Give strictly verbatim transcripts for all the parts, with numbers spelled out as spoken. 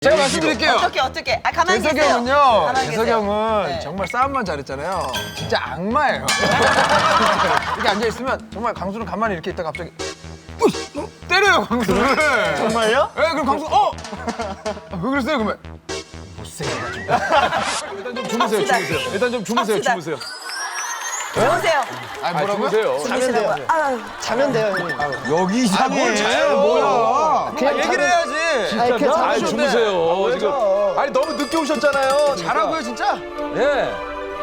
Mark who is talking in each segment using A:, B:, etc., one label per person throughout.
A: 제가 말씀드릴게요.
B: 어떻게 어떻게? 아 가만히
A: 재석이
B: 계세요.
A: 형은요.
B: 가만히
A: 재석이
B: 계세요.
A: 형은
B: 네.
A: 정말 싸움만 잘했잖아요. 진짜 악마예요. 이렇게 앉아 있으면 정말 강수는 가만히 이렇게 있다가 갑자기 으이! 때려요 강수를.
C: 정말요?
A: 네, 그럼 강수 어? 아, 왜 그랬어요 그러면? 못생겨가지고. 일단 좀 주무세요, 주무세요. 일단 좀 주무세요,
B: 갑시다.
A: 주무세요.
B: 주무세요.
A: 아, 뭐라고요?
C: 자면 돼요.
B: 아유,
C: 자면 돼요, 형님.
D: 여기 이상해.
A: 뭘 자요?
D: 뭐야?
A: 아, 얘기를 해야지.
C: 아니, 그
D: 아,
C: 자면
D: 주무세요. 지금. 아니 너무 늦게 오셨잖아요.
A: 잘하고요 진짜.
D: 예.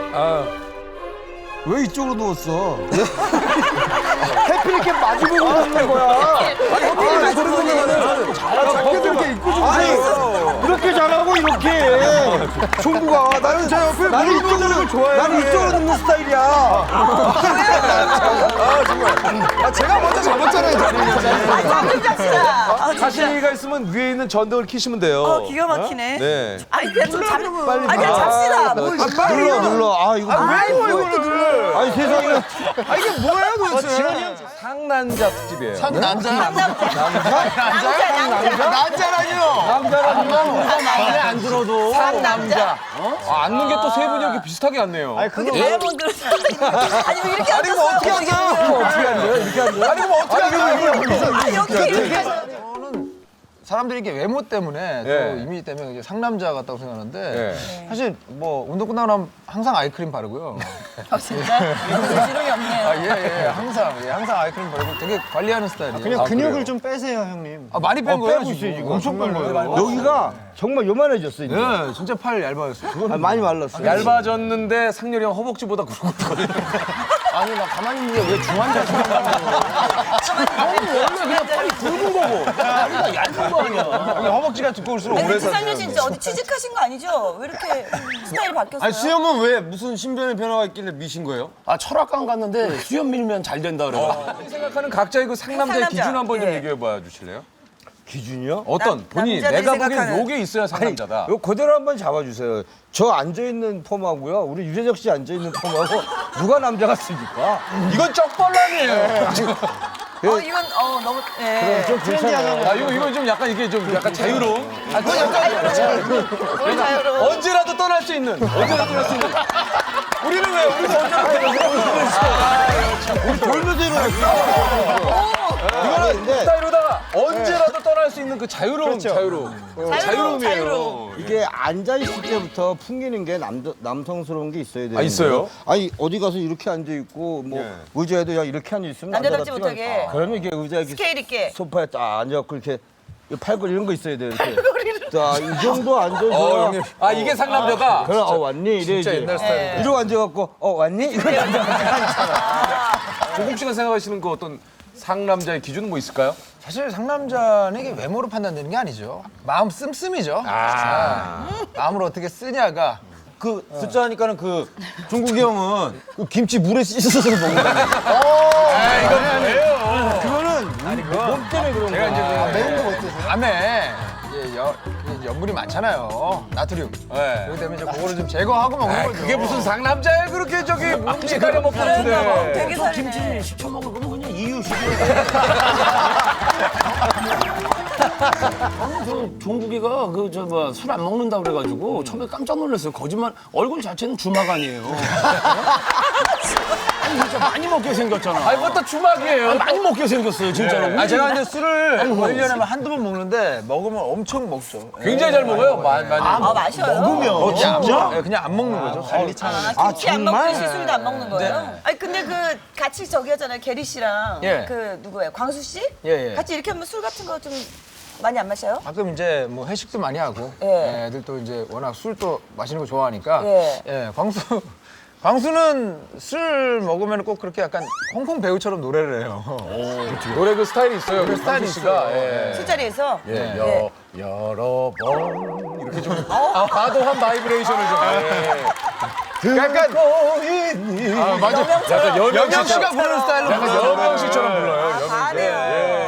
E: 왜 이쪽으로 누웠어?
C: 해필 이렇게 마주보고 있는 거야.
A: 왜 그런 거면은
E: 밖에서 이렇게 입고 주세요.
C: 이렇게 잘하고 이렇게.
E: 종구가 나는 저 옆에 나는 이쪽으로 좋아해. 나는 이쪽으로 눕는 스타일이야.
A: 아 정말. 아 제가 먼저 잡았잖아요.
B: 잠좀 잡시다. 아, 진짜.
D: 가시가 있으면 위에 있는 전등을 켜시면 돼요.
B: 어, 기가 막히네.
D: 네.
B: 아니 그냥 좀 잠.
E: 빨리
B: 아 그냥 잡시다. 뭘
E: 눌러 눌러. 아 이거
A: 왜 이거를?
E: 아니 세상에.
A: 아 이게 뭐예요 도대체?
D: 상남자 특집이에요.
A: 상남자.
B: 남자.
A: 남자요?
B: 남자.
A: 남자라뇨.
D: 남자라면
A: 마음에 안 들어도.
B: 상남자.
D: 아, 앉는 게 또 세 분이 이렇게 비슷하게 앉네요. 아니,
B: 그게 다이아몬드로. 아니 왜 이렇게
A: 아니 뭐 어떻게
B: 앉았어요?
A: 앉아요?
D: 어떻게 앉아요? 이렇게 앉아요?
A: 아니 뭐 어떻게 앉아요?
B: 아 여기 이렇게.
A: 사람들이 이렇게 외모 때문에 또
D: 예.
A: 이미지 때문에 이제 상남자 같다고 생각하는데
D: 예.
A: 사실 뭐 운동 끝나고 나면 항상 아이크림 바르고요.
B: 아 진짜? 지렁이 없네요.
A: 아, 예, 예, 항상, 예, 항상 아이크림 바르고 되게 관리하는 스타일이에요.
C: 그냥
A: 아,
C: 근육을
A: 그래요?
C: 좀 빼세요, 형님.
A: 아, 많이 뺀
E: 어,
A: 거예요,
E: 빼고
A: 지금.
E: 있어요, 지금.
A: 엄청 뺀 거예요.
E: 여기가 정말 요만해졌어 이제.
A: 예, 진짜 팔 얇아졌어요.
E: 아, 많이 말랐어.
D: 얇아졌는데 상렬이 형 허벅지보다 굵었거든요.
A: 아니, 나 가만히 있는데 왜 중환자 굵은 거고. 다리가 얇은 거 아니야. 여기 허벅지가 두꺼울수록
B: 아니
A: 오래
B: 지상렬
A: 사는
B: 씨 진짜 어디 취직하신 거 아니죠? 왜 이렇게 스타일이 바뀌었어요?
E: 아니 수염은 왜 무슨 신변의 변화가 있길래 미신 거예요?
F: 아 철학관 갔는데 수염 밀면 잘 된다 그래요.
D: 생각하는 각자의 그 상남자의
B: 상남자.
D: 기준 한번 좀
B: 예.
D: 얘기해 봐 주실래요?
E: 기준이요?
D: 어떤
B: 남-
D: 본인이
B: 남자들이
D: 내가 보기엔
B: 생각하는-
D: 요게 있어야 상남자다.
E: 이거 그대로 한번 잡아주세요. 저 앉아있는 폼하고요. 우리 유재석 씨 앉아있는 폼하고 누가 남자 같습니까?
D: 이건 쩍벌란이에요.
B: 어 이건 어 너무 예.
E: 좀 괜찮아요.
D: 아 이거 이건 좀 약간 이게 좀 약간 자유로움.
B: 아 그건 약간 자유로워.
D: 언제라도 떠날 수 있는. 언제라도 떠날 수 있는. 우리는 왜 우리도 언제라도 떠날 수 있는.
E: 우리 돌면서 일어났어. 이거는 근데
D: 스타일로다가 언제라도 떠날 수 있는 그 자유로움, 자유로움. 어,
B: 자유로움,
D: 자유로움이에요.
B: 자유로움.
E: 이게 앉아있을 때부터 풍기는 게 남, 남성스러운 게 있어야 돼요.
D: 아, 있어요?
E: 아니 어디 가서 이렇게 앉아있고 뭐
D: 예.
E: 의자에도 그냥 이렇게 앉아있으면
B: 남자답지
E: 남자답지가
B: 못하게.
E: 않아. 그러면 이게 의자에 이렇게
B: 스케일 있게.
E: 소파에 딱 앉아갖고 이렇게 이 팔걸이 이런 거 있어야 돼요. 이렇게. 자, 이 정도 앉아서
D: 어, 형님. 아 이게 상남자다.
E: 그럼 어 왔니? 이래
A: 진짜
E: 이제.
A: 옛날 스타일.
E: 이러고 앉아갖고 어 왔니? 이거
D: 조국 씨가 생각하시는 그 어떤 상남자의 기준은 뭐 있을까요?
A: 사실 상남자는 이게 외모로 판단되는 게 아니죠. 마음 씀씀이죠. 아. 마음을 어떻게 쓰냐가.
E: 그 숫자 하니까는 그 종국이 형은 그 김치 물에 씻어서 먹는 거 몸 때문에 그런
A: 제가 이제
E: 거야.
A: 그 매운 거 어떠세요? 밤에 이제 여, 이제 염분이 많잖아요. 나트륨.
D: 네.
A: 그렇기 때문에 이제 그거를 좀 제거하고 먹는 거죠.
D: 그게 무슨 상남자예요? 그렇게 저기 음식 가려 먹고
B: 그런가 봐.
D: 있는데.
B: 되게 살이네.
F: 김치 시켜 먹을 거면 그냥 이유식이야. 아니 저 종국이가 그 저 뭐 술 안 먹는다 그래가지고 처음에 깜짝 놀랐어요. 거짓말 얼굴 자체는 주막 아니에요. 아니 진짜 많이 먹게 생겼잖아.
D: 아니 뭐또 주막이에요.
F: 아니, 많이 먹게 생겼어요 진짜로.
A: 아, 제가 이제 술을 뭐 일 년에 한두 번 먹는데 먹으면 엄청 먹죠.
D: 굉장히 잘 먹어요. 많이 많이.
B: 아 마셔요?
A: 어, 진짜? 네, 그냥 안 먹는 거죠. 관리차는.
B: 아, 김치 안 먹듯이 술도 안 먹는 거예요? 아니 근데 그 같이 저기 하잖아요. 게리 씨랑
A: 예.
B: 그 누구예요? 광수 씨?
A: 예, 예.
B: 같이 이렇게 하면 술 같은 거 좀 많이 안 마셔요?
A: 가끔 이제 뭐 회식도 많이 하고
B: 예.
A: 예, 애들 또 이제 워낙 술도 마시는 거 좋아하니까
B: 예.
A: 예, 광수 광수는 술 먹으면 꼭 그렇게 약간 홍콩 배우처럼 노래를 해요.
D: 노래 그 스타일이 있어요. 그
A: 스타일이
D: 스타일이 씨가.
A: 있어요.
D: 예.
B: 술자리에서?
D: 예,
B: 예.
D: 여, 여러 번 이렇게 좀 아, 과도한 바이브레이션을 좀. 예. 약간 아, 맞아. 약간 여명
A: 여명 씨가
D: 씨처럼
A: 부르는 스타일로
D: 약간
A: 불러요.
D: 여명 씨처럼 불러요. 여명 씨.
B: 잘해요.
D: 예.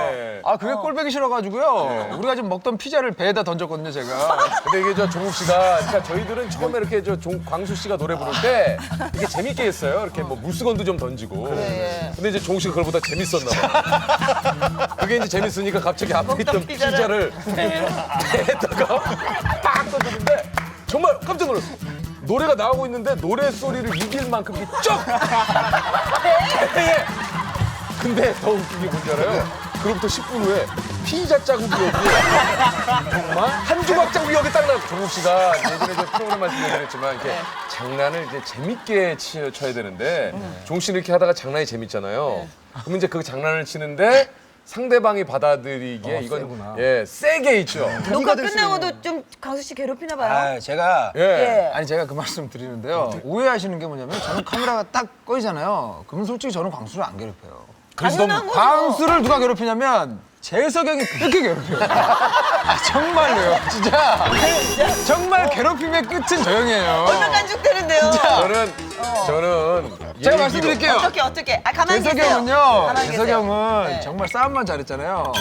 A: 아 그게 꼴보기 싫어가지고요. 우리가 지금 먹던 피자를 배에다 던졌거든요, 제가.
D: 근데 이게 저 종국 씨가, 그러니까 저희들은 처음에 이렇게 저 종, 광수 씨가 노래 부를 때 이게 재밌게 했어요. 이렇게 뭐 물수건도 좀 던지고. 근데 이제 종국 씨가 그걸보다 재밌었나 봐. 그게 이제 재밌으니까 갑자기 앞에 있던 피자를 배에다가 빡 던졌는데 정말 깜짝 놀랐어. 노래가 나오고 있는데 노래 소리를 이길 만큼 이게 쩍! 배에! 근데 더 웃긴 게 뭔지 알아요? 그로부터 십 분 후에 피자 자국이 여기 정말 한 조각 자국이 여기 딱 나고 종국 씨가 예전에 저 프로그램 말씀드렸지만 이렇게 장난을 이제 재밌게 치, 쳐야 되는데 종국 씨는 이렇게 하다가 장난이 재밌잖아요. 그럼 이제 그 장난을 치는데 상대방이 받아들이기에 이건 예 세게 있죠.
B: 녹화 끝나고도 좀 강수 씨 괴롭히나 봐요.
A: 아 제가
D: 예.
B: 예.
A: 아니 제가 그 말씀 드리는데요. 오해하시는 게 뭐냐면 저는 카메라가 딱 꺼지잖아요. 그러면 솔직히 저는 광수를 안 괴롭혀요.
B: 당연한 거죠.
A: 광수를 누가 괴롭히냐면 재석이 형이 그렇게 괴롭혀요. 아, 정말로요. 진짜. 정말 괴롭힘의 끝은 저 형이에요.
B: 얼마 간죽되는데요.
D: 저는 저는
A: 제가
D: 얘기로-
A: 말씀드릴게요.
B: 어떻게 어떻게? 아 가만히
A: 재석이
B: 계세요.
A: 형은요.
B: 가만히
A: 재석이
B: 계세요.
A: 형은
B: 네.
A: 정말 싸움만 잘했잖아요.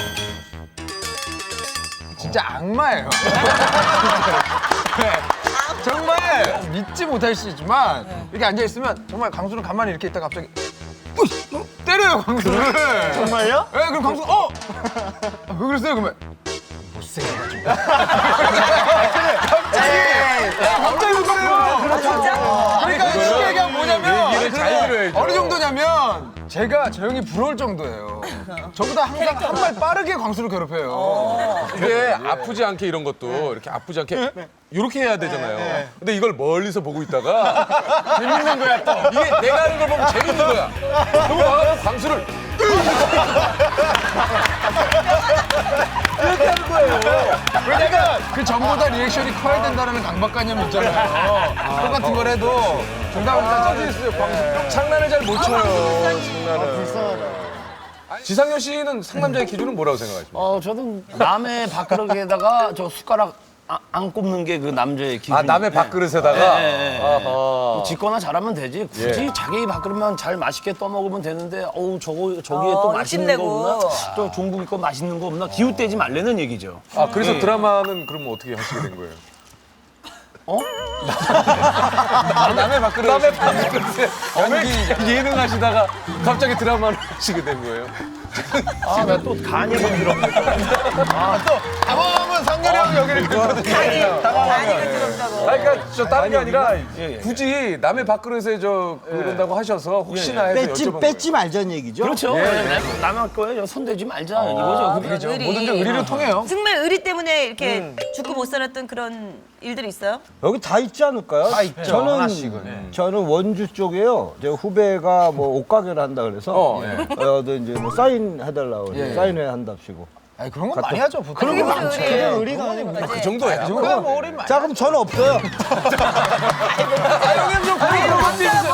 A: 진짜 악마예요. 네. 정말 믿지 못할 수 있지만 이렇게 앉아 있으면 정말 광수는 가만히 이렇게 있다가 갑자기 으이! 어? 때려요 광수를.
C: 정말요?
A: 네, 그럼 광수 어? 아, 왜 그랬어요 그러면? 못생겨가지고. 갑자기 갑자기 왜 그래요?
B: 아, 진짜?
A: 그러니까 쉽게 얘기하면 뭐냐면
D: 얘기를 잘 들어야죠.
A: 어느 정도냐면 제가 저 형이 부러울 정도예요. 저보다 항상 한 발 빠르게 광수를 괴롭혀요.
D: 이게 아프지 않게 이런 것도 이렇게 아프지 않게 이렇게 해야 되잖아요. 근데 이걸 멀리서 보고 있다가 재밌는 거야 또. 이게 내가 하는 걸 보면 재밌는 거야. 그리고 와가지고 광수를 이렇게 하는 거예요.
A: 왜냐면 그 전보다 리액션이 커야 된다는 강박관념이 있잖아요. 똑같은 걸 해도 정답을 다 찾으셨어요. 광수.
D: 장난을 잘 못 쳐요. 장난을. 지상렬 씨는 상남자의 기준은 뭐라고 생각하십니까?
F: 어, 저는 남의 밥그릇에다가 저 숟가락 아- 안 꼽는 게 그 남자의 기준.
D: 아 남의 밥그릇에다가.
F: 네, 네, 네.
D: 아하.
F: 짓거나 잘하면 되지. 굳이
D: 예.
F: 자기 밥그릇만 잘 맛있게 떠먹으면 되는데, 어우, 저거, 저기에 또
B: 어,
F: 맛있는 거
B: 욕심내고.
F: 없나? 또 종국이 거 맛있는 거 없나? 기웃대지 말라는 얘기죠.
D: 아 그래서 드라마는 그럼 어떻게 하시게 된 거예요?
F: 어?
A: 남의 밥그릇.
D: 남의 밥그릇에 연기 예능 하시다가 갑자기 드라마를 하시게 된 거예요?
F: 아, 나 또 간이가 들었네.
A: 당황하면 상렬이 형이 여기를 긁거든요.
B: 많이 그렇다고.
D: 아, 그러니까 저 다른 게 아니라 굳이 남의 밥그릇에 저 그런다고 하셔서 혹시나 해서
C: 뺏지,
D: 여쭤본
C: 뺏지 말자는 얘기죠?
F: 그렇죠. 네, 남의 거에 손대지 말자. 이거죠. 그게.
A: 그렇죠.
B: 의리.
A: 뭐든지 의리로 통해요.
B: 정말 의리 때문에 이렇게 죽고 못 살았던 그런 일들이 있어요?
E: 여기 다 있지 않을까요?
A: 다 있죠,
E: 저는
A: 하나씩은.
E: 저는 원주 쪽에요. 제 후배가 뭐 옷가게를 한다 그래서
D: 어,
E: 어,
D: 예.
E: 네, 이제 뭐 사인 해달라고 그래서
A: 예.
E: 사인회 한답시고.
A: 아니 그런 거 많이 하죠. 보통.
B: 그런 게 무슨 의리예요?
C: 의리가 아니고.
D: 그 정도야.
A: 그거야 뭐 어린 말.
E: 자 그럼 저는 없어요.
A: 아 형님 좀 그런 거 삐져요.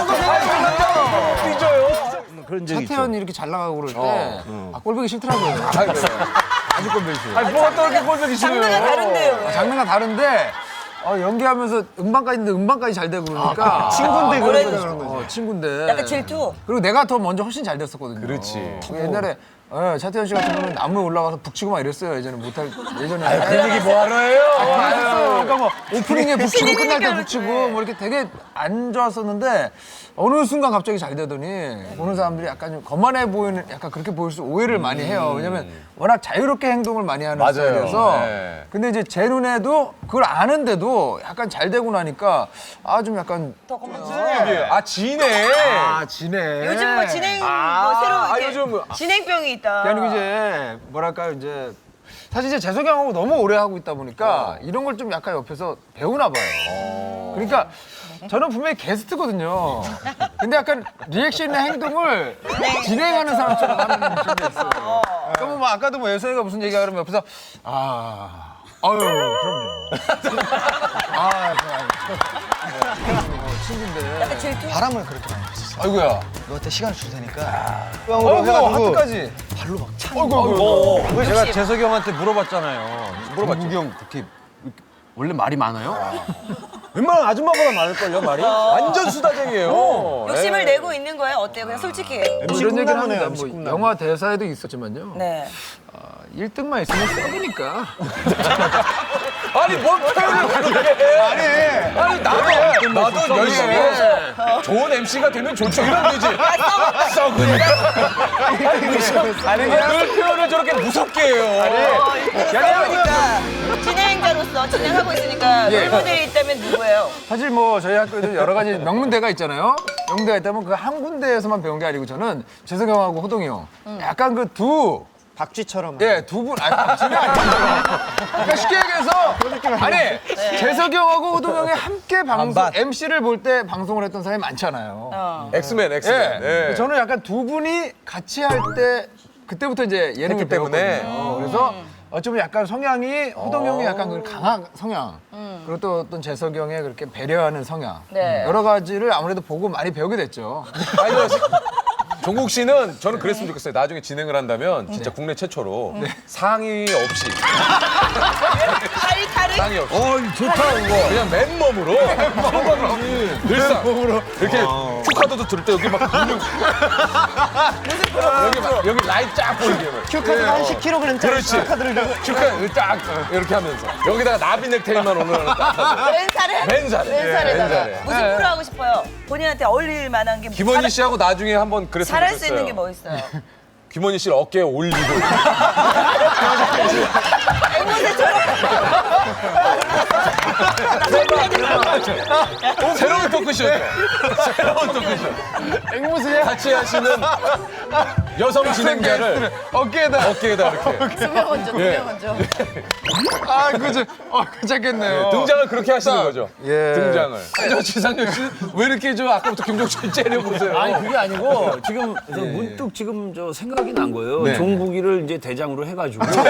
D: 삐져요.
E: 그런 적이 있죠.
A: 차태현이 이렇게 잘 나가고 그럴 때 아, 꼴보기 싫더라고요. 아주 꼴보기 싫어요.
D: 아니 뭐가 또 이렇게 꼴보기 싫어요?
B: 장르가 다른데요. 왜?
A: 장르가 다른데 어, 연기하면서 음반까지 있는데 음반까지 잘 되고 그러니까
C: 친구인데 그런
B: 뭐래?
C: 거죠.
A: 어, 친구인데
B: 약간 질투?
A: 그리고 내가 더 먼저 훨씬 잘 됐었거든요.
D: 그렇지.
A: 옛날에 예, 차태현 씨 같은 경우는 나무에 올라가서 북치고 막 이랬어요. 예전에 못할 예전에.
D: 그 얘기 뭐 하러 해요?
A: 그랬었어요. 그러니까 뭐 오프닝에 북치고
B: 신인이니까
A: 끝날 때
B: 그렇지.
A: 북치고 뭐 이렇게 되게 안 좋았었는데 어느 순간 갑자기 잘 되더니 보는 사람들이 약간 좀 거만해 보이는 약간 그렇게 보일 수 오해를 많이 해요. 왜냐면 워낙 자유롭게 행동을 많이 하는
D: 맞아요.
A: 스타일이어서.
D: 네.
A: 근데 이제 제 눈에도 그걸 아는데도 약간 잘 되고 나니까 아 좀 약간
B: 더 겁먹지.
D: 아 지네.
A: 아 지네.
B: 요즘 뭐 진행 뭐
D: 아,
B: 새로
D: 아,
B: 이렇게
D: 요즘-
B: 진행병이 있다.
A: 아니고 이제 뭐랄까요 이제 사실 이제 재석이 형하고 너무 오래 하고 있다 보니까 이런 걸 좀 약간 옆에서 배우나 봐요. 그러니까 저는 분명히 게스트거든요. 근데 약간 리액션이나 행동을 진행하는 사람처럼 하는 느낌이 있어요. 그러면 뭐 아까도 뭐 예선이가 무슨 얘기가 그러면 옆에서 아, 아유 그럼요. 아, 어, 친구인데.
B: 약간 질투?
A: 바람을 그렇게 많이 폈었어. 아이고야.
C: 너한테 시간을 줄 테니까.
A: 어이구 하트까지. 발로 막 차. 어이구 어이구.
C: 그 제가 재석이 형한테 물어봤잖아요. 물어봤죠. 형 그렇게
F: 원래 말이 많아요?
E: 웬만한 아줌마보다 많을걸요 말이?
D: 완전 수다쟁이에요.
B: 욕심을
D: 네.
B: 내고 있는 거예요? 어때요? 그냥 솔직히.
A: 뭐 이런 얘기를 합니다. 뭐 영화 대사에도 있었지만요.
B: 네.
A: 일 등만 있으면 썩으니까.
D: 아니 뭔 표현을 그렇게 해? 아니, 아니 나도 나도 열심히 해서 좋은 엠씨가 되면 좋죠. 이러면 되지. 썩으니까. 아니 늘 표현을 저렇게 무섭게 해요.
B: 그러니까 진행자로서 진행하고 있으니까
A: 예.
B: 롤모델이 있다면 누구예요?
A: 사실 뭐 저희 학교에도 여러 가지 명문대가 있잖아요. 명문대가 있다면 그 한 군데에서만 배운 게 아니고 저는 재석이 형하고 호동이 형 약간 그 두
C: 박쥐처럼.
A: 예, 두 분, 아니, 박쥐는 아니죠. 그러니까 쉽게 얘기해서, 아니, 재석이 형하고 호동 형이 함께 방송,
C: 반반.
A: 엠씨를 볼 때 방송을 했던 사람이 많잖아요.
B: 어.
D: 엑스맨 엑스맨.
A: 예.
D: 예.
A: 저는 약간 두 분이 같이 할 때, 그때부터 이제 예능을
D: 했기 때문에.
A: 배웠거든요. 그래서 어쩌면 약간 성향이, 호동 형이 약간 그 강한 성향, 그리고 또 어떤 재석이 형의 그렇게 배려하는 성향.
B: 네.
A: 여러 가지를 아무래도 보고 많이 배우게 됐죠.
D: 아니, 종국 씨는 저는 그랬으면 좋겠어요. 나중에 진행을 한다면 진짜 국내 최초로 상의 없이
B: 다리 다리.
D: 상의 없이
E: 어 좋다 이거.
D: 그냥 맨몸으로 늘상 이렇게 큐카드도 들을 때 여기 막 근육 여기 막 여기 라인 쫙 보이게 막.
C: 큐카드가 한 십 킬로그램짜리
D: 그렇지.
C: 큐카드를 들고
D: 큐카 딱 이렇게 하면서 여기다가 나비 넥타이만 오늘 하나 딱 하고.
B: 왼살에?
D: 맨살에.
B: 왼살에다가.
D: 맨살에.
B: 무슨 프로 하고 싶어요? 본인한테 어울릴 만한 게
D: 김원희
B: 잘-
D: 씨하고 나중에 한번 그랬으면
B: 잘할 수
D: 좋겠어요.
B: 있는 게 뭐 있어요?
D: 김원희 씨를 어깨에 올리고 새로운 토크쇼죠. 새로운 토크쇼.
A: 앵무새야?
D: 같이 하시는 여성 진행자를
A: 어깨에다.
D: 어깨에다 이렇게
B: 두명 얹어,
D: 예.
B: 두명 얹어.
A: 아, 그죠. 어, 괜찮겠네요.
D: 등장을 그렇게 하시는 거죠.
A: 예.
D: 등장을. 저 지상렬 씨 왜 이렇게 저 아까부터 김종철 째려보세요.
F: 아니 그게 아니고 지금 저 문득 지금 저 생각이 난 거예요.
A: 네.
F: 종국이를 이제 대장으로 해가지고 네?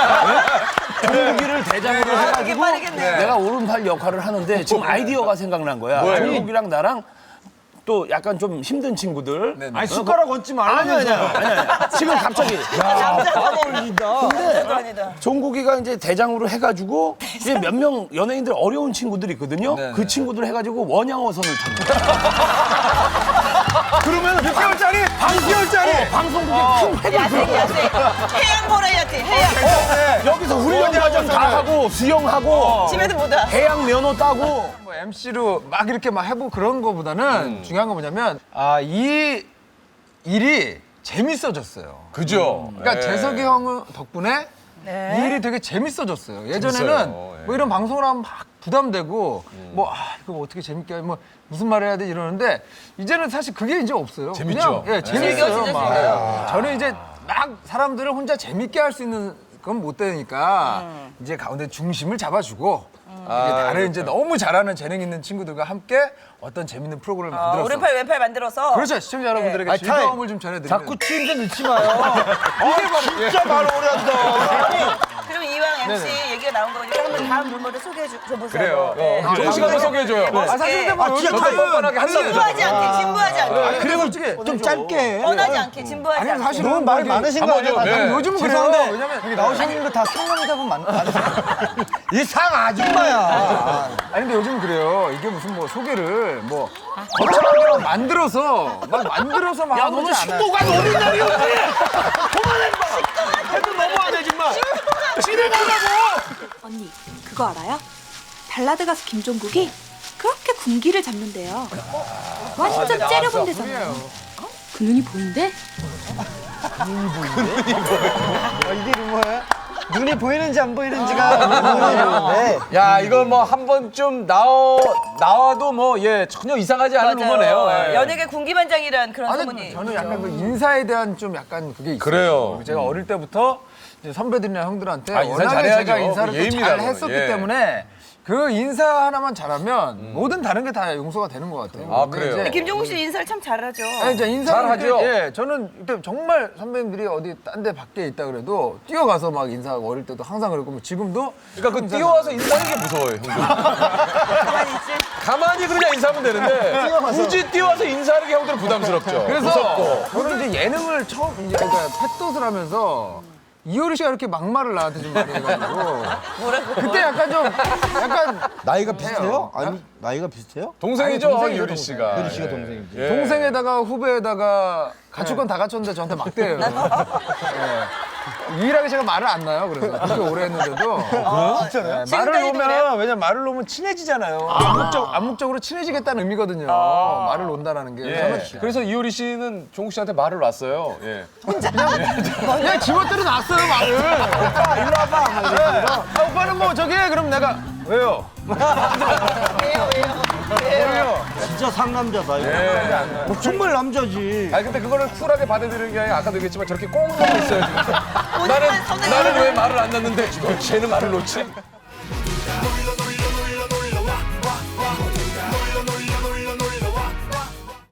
F: 종국이를 대장으로
B: 그게
F: 해가지고
B: 빠르겠네.
F: 내가 오른팔 역할을 하는데 지금 아이디어가 생각난 거야.
D: 뭐예요?
F: 종국이랑 나랑 또 약간 좀 힘든 친구들.
E: 아니 숟가락 얹지
F: 아니 아니
E: 말라면서.
F: 아니 아니. 지금 갑자기
B: 남자도 아니다.
E: 어울린다.
B: 남자도 아니다.
F: 종국이가 이제 대장으로 해가지고 이제 몇 명 연예인들 어려운 친구들이 있거든요. 그 친구들 해가지고 원양어선을 타는 거야. 그러면 육 개월짜리 반 개월짜리 방송국에 큰 획을
B: 야생, 야생. 해양 보라야지, 해양.
F: 여기서 훈련 과정 다 하고 수영하고
B: 집에도 못와.
F: 해양 면허 따고
A: 뭐 엠씨로 막 이렇게 막 해보고 그런 거보다는 중요한 건 뭐냐면 아, 이 일이 재밌어졌어요.
D: 그죠?
A: 그러니까
D: 예.
A: 재석이 형 덕분에
B: 네.
A: 이 일이 되게 재밌어졌어요. 예전에는
D: 재밌어요. 예.
A: 뭐 이런 방송을 하면 막 부담되고 뭐 아, 이거 뭐 어떻게 재밌게 뭐 무슨 말을 해야 돼 이러는데 이제는 사실 그게 이제 없어요.
D: 재밌죠?
A: 그냥 예, 재밌어요.
B: 즐겨,
A: 막.
B: 즐겨.
A: 저는 이제 막 사람들을 혼자 재밌게 할 수 있는 건 못 되니까 이제 가운데 중심을 잡아주고 이게 다른 이제 너무 잘하는 재능 있는 친구들과 함께 어떤 재밌는 프로그램을
B: 어,
A: 만들어서
B: 오른팔 왼팔 만들어서.
A: 그렇죠 시청자 여러분들에게
E: 아니, 타임.
A: 즐거움을 좀 전해드리는
E: 자꾸 추임새 넣지 마요. 진짜 말 오래 한다.
B: 그럼 이왕 엠씨 얘기가 나온 거니까 한번 다음 룰모델 소개해 줘, 줘보세요.
D: 그래요.
B: 네.
D: 종국 씨가 한번 소개해줘요.
A: 아 사실 근데 뭐
E: 아, 진짜
A: 요즘은
E: 타임.
D: 뻔뻔하게 한다고.
B: 진부하지 않게, 진부하지 않게.
A: 아니 근데 솔직히
E: 좀 짧게 해.
B: 뻔하지 않게, 진부하지
A: 아니
B: 않게.
A: 사실은
C: 너무 말이
A: 뭐 이게-
C: 많으신 거 아니야?
D: 한번 좀,
C: 다?
D: 네.
A: 요즘은 그래요.
C: 죄송한데
A: 왜냐면
C: 여기 나오시는 거 다 상남자분 많, 많으세요?
E: 이 상 아줌마야.
A: 아니 근데 요즘 그래요. 이게 무슨 뭐 소개를 뭐 거창하게 막 만들어서 막 만들어서 막
F: 야
A: 하고
F: 너는
A: 그러지 않아요.
F: 식도가 노는 날이었지. 그만해 봐. 해도 너무하네 정말. 진행하라고.
G: 언니, 그거 알아요? 발라드 가수 김종국이 그렇게 군기를 잡는데요. 완전 째려본대잖아요. 그 눈이 보인대?
C: 어, 이게 루머야? 눈이 보이는지 안 보이는지가 궁금해요.
D: 야, 이거 뭐 한 번쯤 나오, 나와도 뭐, 예, 전혀 이상하지 않은 루머네요. 예.
B: 연예계 군기반장이란 그런
A: 아니
B: 소문이.
A: 저는 약간 그 인사에 대한 좀 약간 그게 있어요.
D: 그래요.
A: 제가 어릴 때부터 이제 선배들이나 형들한테
D: 아, 인사
A: 워낙에
D: 잘해야죠.
A: 제가 인사를 또
D: 예의입니다,
A: 잘
D: 그건.
A: 했었기
D: 예.
A: 때문에 그 인사 하나만 잘하면 모든 다른 게 다 용서가 되는 것 같아요.
D: 아,
A: 근데
D: 그래요?
A: 이제
B: 김종국 씨 인사를 참 잘하죠.
A: 아니, 이제 인사를
D: 잘하죠?
A: 이렇게, 예, 저는 이때 정말 선배님들이 어디 딴 데 밖에 있다 그래도 뛰어가서 막 인사하고 어릴 때도 항상 그랬고 뭐 지금도
D: 그러니까 그 뛰어와서 인사하는 게 무서워요, 형들.
B: 가만히 있지.
D: 가만히 그냥 인사하면 되는데 굳이 뛰어와서 인사하는 게 형들은 부담스럽죠.
A: 그래서
D: 무섭고.
A: 저는 이제 예능을 처음 이제 그러니까 팻돛을 하면서 이효리 씨가 이렇게 막말을 나한테 좀 많이 해가지고 뭐라고? 그때 약간 좀 약간
E: 나이가 비슷해요? 아니 나이가 비슷해요?
D: 동생이죠,
A: 아니, 동생이죠,
D: 유리 씨가.
E: 유리 씨가 동생이지.
D: 예.
A: 동생에다가 후배에다가 갖출 건 다 갖췄는데 저한테 막대요. 예. 유일하게 제가 말을 안 놔요. 그래서 그렇게 오래 했는데도
B: 진짜요?
A: 네, 말을 놓으면 왜냐면 말을 놓으면 친해지잖아요. 암묵적 암묵적으로 친해지겠다는 의미거든요. 말을 놓는다는 게.
D: 예.
A: 저는
D: 그래서 이효리 씨는 종국 씨한테 말을 놨어요. 예.
A: 그냥 지멋대로 놨어요 말을. 오빠 일로 와봐. 네. 아, 오빠는 뭐 저기 해. 그럼 내가 왜요?
B: 왜요 왜요?
A: 왜요?
E: 진짜 상남자다 이거.
D: 예.
E: 뭐 정말 남자지.
D: 아니 근데 그거를 쿨하게 받아들이는 게 아니라 아까도 얘기했지만 저렇게 꽁 하고 있어요 지금. 나는
B: 선생님.
D: 나는 왜 말을 안 놨는데 쟤는 말을 놓지?